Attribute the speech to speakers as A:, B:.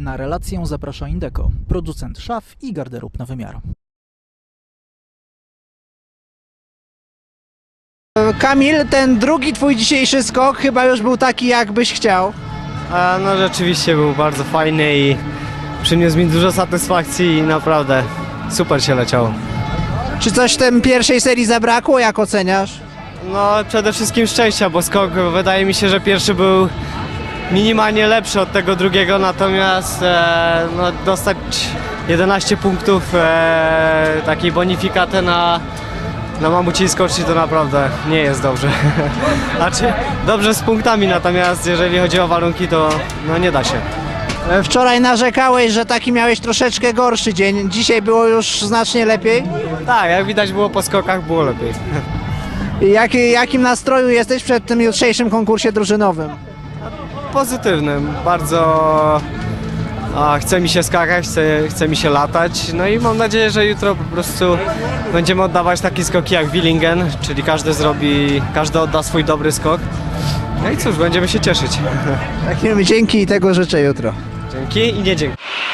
A: Na relację zaprasza Indeco, producent szaf i garderób na wymiar.
B: Kamil, ten drugi twój dzisiejszy skok chyba już był taki, jak byś chciał.
C: No rzeczywiście był bardzo fajny i przyniósł mi dużo satysfakcji i naprawdę super się leciało.
B: Czy coś w tej pierwszej serii zabrakło, jak oceniasz?
C: No przede wszystkim szczęścia, bo skok wydaje mi się, że pierwszy był minimalnie lepszy od tego drugiego, natomiast no, dostać 11 punktów takiej bonifikaty na mamuciej skoczni to naprawdę nie jest dobrze. Znaczy dobrze z punktami, natomiast jeżeli chodzi o warunki, to no, nie da się.
B: Wczoraj narzekałeś, że taki miałeś troszeczkę gorszy dzień. Dzisiaj było już znacznie lepiej.
C: Tak, jak widać było po skokach, było lepiej.
B: Jakim nastroju jesteś przed tym jutrzejszym konkursie drużynowym?
C: Pozytywnym, bardzo chce mi się skakać, chce mi się latać, no i mam nadzieję, że jutro po prostu będziemy oddawać takie skoki jak Willingen, czyli każdy odda swój dobry skok. No i cóż, będziemy się cieszyć.
B: Dzięki i tego życzę jutro.
C: Dzięki i nie dzięki.